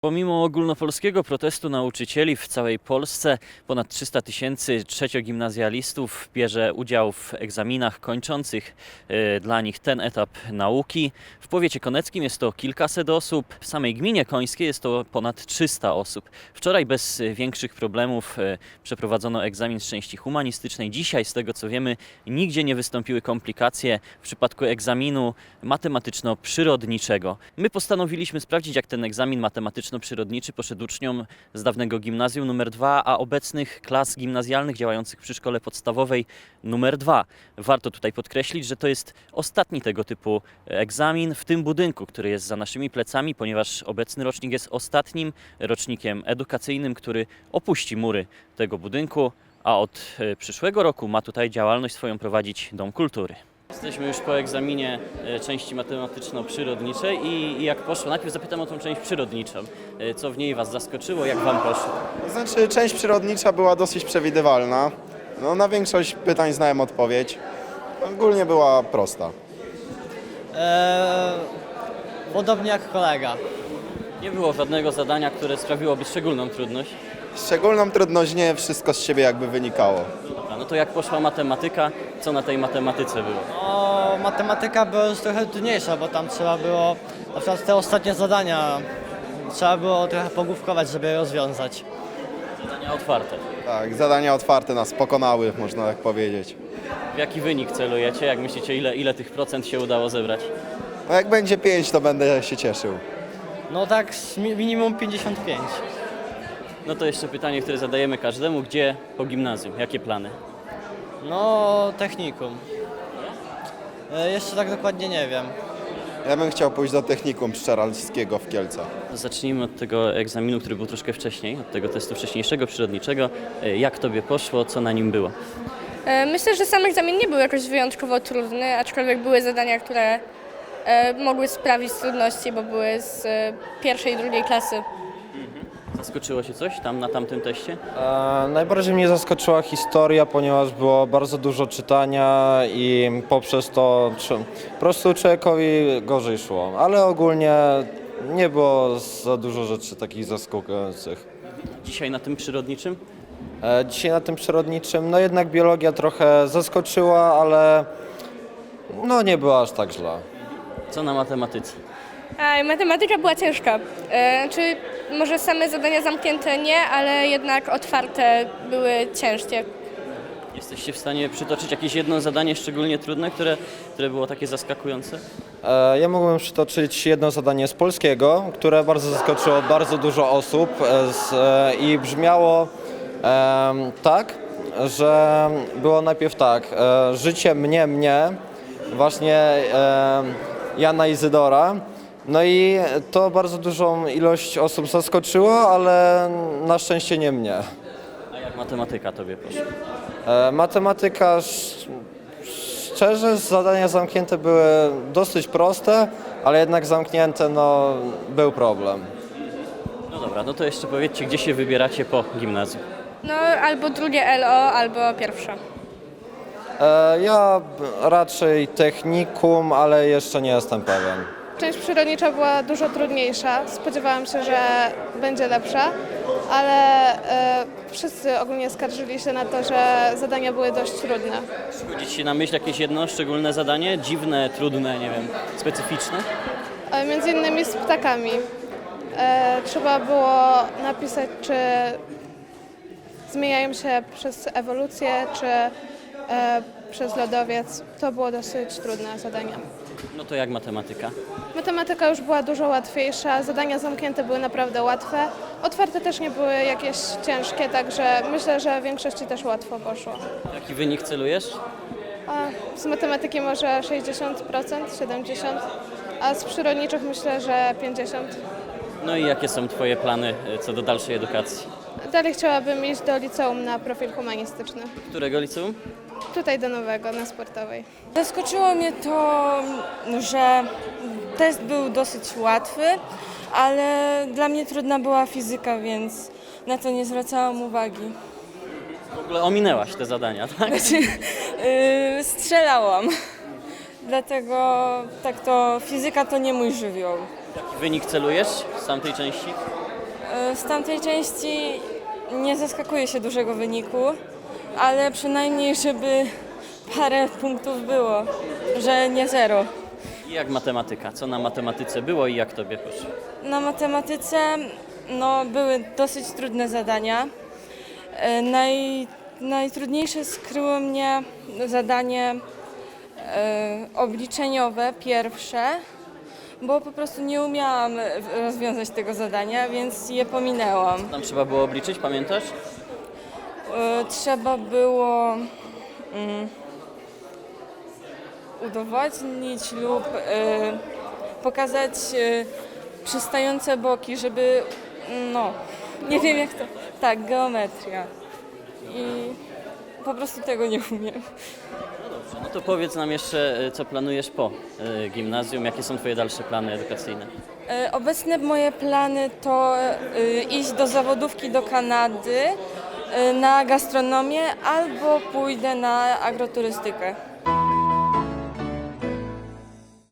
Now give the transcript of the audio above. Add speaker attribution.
Speaker 1: Pomimo ogólnopolskiego protestu nauczycieli w całej Polsce ponad 300 tysięcy trzeciogimnazjalistów bierze udział w egzaminach kończących dla nich ten etap nauki. W powiecie koneckim jest to kilkaset osób, w samej gminie końskiej jest to ponad 300 osób. Wczoraj bez większych problemów przeprowadzono egzamin z części humanistycznej. Dzisiaj, z tego co wiemy, nigdzie nie wystąpiły komplikacje w przypadku egzaminu matematyczno-przyrodniczego. My postanowiliśmy sprawdzić, jak ten egzamin matematyczno-przyrodniczy poszedł uczniom z dawnego gimnazjum nr 2, a obecnych klas gimnazjalnych działających przy szkole podstawowej nr 2. Warto tutaj podkreślić, że to jest ostatni tego typu egzamin w tym budynku, który jest za naszymi plecami, ponieważ obecny rocznik jest ostatnim rocznikiem edukacyjnym, który opuści mury tego budynku, a od przyszłego roku ma tutaj działalność swoją prowadzić Dom Kultury. Jesteśmy już po egzaminie części matematyczno-przyrodniczej i jak poszło? Najpierw zapytam o tą część przyrodniczą. Co w niej Was zaskoczyło? Jak Wam poszło?
Speaker 2: Znaczy, część przyrodnicza była dosyć przewidywalna. No, na większość pytań znałem odpowiedź. Ogólnie była prosta.
Speaker 3: Podobnie jak kolega.
Speaker 1: Nie było żadnego zadania, które sprawiłoby szczególną trudność.
Speaker 2: Szczególną trudność nie, wszystko z siebie jakby wynikało.
Speaker 1: Dobra, no to jak poszła matematyka? Co na tej matematyce było?
Speaker 3: No, matematyka była już trochę trudniejsza, bo tam trzeba było, na przykład te ostatnie zadania, trzeba było trochę pogłówkować, żeby je rozwiązać.
Speaker 1: Zadania otwarte.
Speaker 2: Tak, zadania otwarte nas pokonały, można tak powiedzieć.
Speaker 1: W jaki wynik celujecie? Jak myślicie, ile tych procent się udało zebrać?
Speaker 2: No, jak będzie 5, to będę się cieszył.
Speaker 3: No tak minimum 55.
Speaker 1: No to jeszcze pytanie, które zadajemy każdemu. Gdzie po gimnazjum? Jakie plany?
Speaker 3: No, technikum. Jeszcze tak dokładnie nie wiem.
Speaker 2: Ja bym chciał pójść do technikum pszczelarskiego w Kielcach.
Speaker 1: Zacznijmy od tego egzaminu, który był troszkę wcześniej, od tego testu wcześniejszego, przyrodniczego. Jak Tobie poszło? Co na nim było?
Speaker 4: Myślę, że sam egzamin nie był jakoś wyjątkowo trudny, aczkolwiek były zadania, które mogły sprawić trudności, bo były z pierwszej i drugiej klasy.
Speaker 1: Zaskoczyło się coś tam na tamtym teście?
Speaker 5: Najbardziej mnie zaskoczyła historia, ponieważ było bardzo dużo czytania i poprzez to po prostu człowiekowi gorzej szło. Ale ogólnie nie było za dużo rzeczy takich zaskakujących.
Speaker 1: Dzisiaj na tym przyrodniczym?
Speaker 5: Dzisiaj na tym przyrodniczym, no jednak biologia trochę zaskoczyła, ale no nie było aż tak źle.
Speaker 1: Co na matematyce?
Speaker 4: Matematyka była ciężka. Czy może same zadania zamknięte nie, ale jednak otwarte były ciężkie.
Speaker 1: Jesteście w stanie przytoczyć jakieś jedno zadanie szczególnie trudne, które było takie zaskakujące?
Speaker 5: Ja mógłbym przytoczyć jedno zadanie z polskiego, które bardzo zaskoczyło bardzo dużo osób i brzmiało tak, że było najpierw tak, życie mnie, właśnie Jana Izydora. No i to bardzo dużą ilość osób zaskoczyło, ale na szczęście nie mnie.
Speaker 1: A jak matematyka Tobie poszła?
Speaker 5: Matematyka, szczerze, zadania zamknięte były dosyć proste, ale jednak zamknięte, no, był problem.
Speaker 1: No dobra, no to jeszcze powiedzcie, gdzie się wybieracie po gimnazjum?
Speaker 4: No albo drugie LO, albo pierwsze.
Speaker 5: Ja raczej technikum, ale jeszcze nie jestem pewien.
Speaker 6: Część przyrodnicza była dużo trudniejsza. Spodziewałam się, że będzie lepsza, ale wszyscy ogólnie skarżyli się na to, że zadania były dość trudne.
Speaker 1: Przychodzi Ci się na myśl jakieś jedno szczególne zadanie? Dziwne, trudne, nie wiem, specyficzne?
Speaker 6: Między innymi z ptakami. Trzeba było napisać, czy zmieniają się przez ewolucję, czy przez lodowiec. To było dosyć trudne zadanie.
Speaker 1: No to jak matematyka?
Speaker 6: Matematyka już była dużo łatwiejsza, zadania zamknięte były naprawdę łatwe. Otwarte też nie były jakieś ciężkie, także myślę, że w większości też łatwo poszło.
Speaker 1: Jaki wynik celujesz?
Speaker 6: A z matematyki może 60%, 70%, a z przyrodniczych myślę, że 50%.
Speaker 1: No i jakie są Twoje plany co do dalszej edukacji?
Speaker 6: Dalej chciałabym iść do liceum na profil humanistyczny.
Speaker 1: Którego liceum?
Speaker 6: Tutaj do Nowego, na Sportowej.
Speaker 7: Zaskoczyło mnie to, że test był dosyć łatwy, ale dla mnie trudna była fizyka, więc na to nie zwracałam uwagi.
Speaker 1: W ogóle ominęłaś te zadania, tak?
Speaker 7: Strzelałam, dlatego tak to fizyka to nie mój żywioł.
Speaker 1: Jaki wynik celujesz z tamtej części?
Speaker 7: Z tamtej części nie zaskakuje się dużego wyniku, ale przynajmniej, żeby parę punktów było, że nie 0.
Speaker 1: I jak matematyka? Co na matematyce było i jak tobie poszło?
Speaker 7: Na matematyce były dosyć trudne zadania. Najtrudniejsze skryło mnie zadanie obliczeniowe, pierwsze, bo po prostu nie umiałam rozwiązać tego zadania, więc je pominęłam.
Speaker 1: Tam trzeba było obliczyć, pamiętasz?
Speaker 7: Trzeba było udowodnić lub pokazać przystające boki, żeby, nie wiem jak to, tak, geometria. I po prostu tego nie umiem.
Speaker 1: No to powiedz nam jeszcze, co planujesz po gimnazjum, jakie są twoje dalsze plany edukacyjne?
Speaker 7: Obecne moje plany to iść do zawodówki do Kanady na gastronomię albo pójdę na agroturystykę.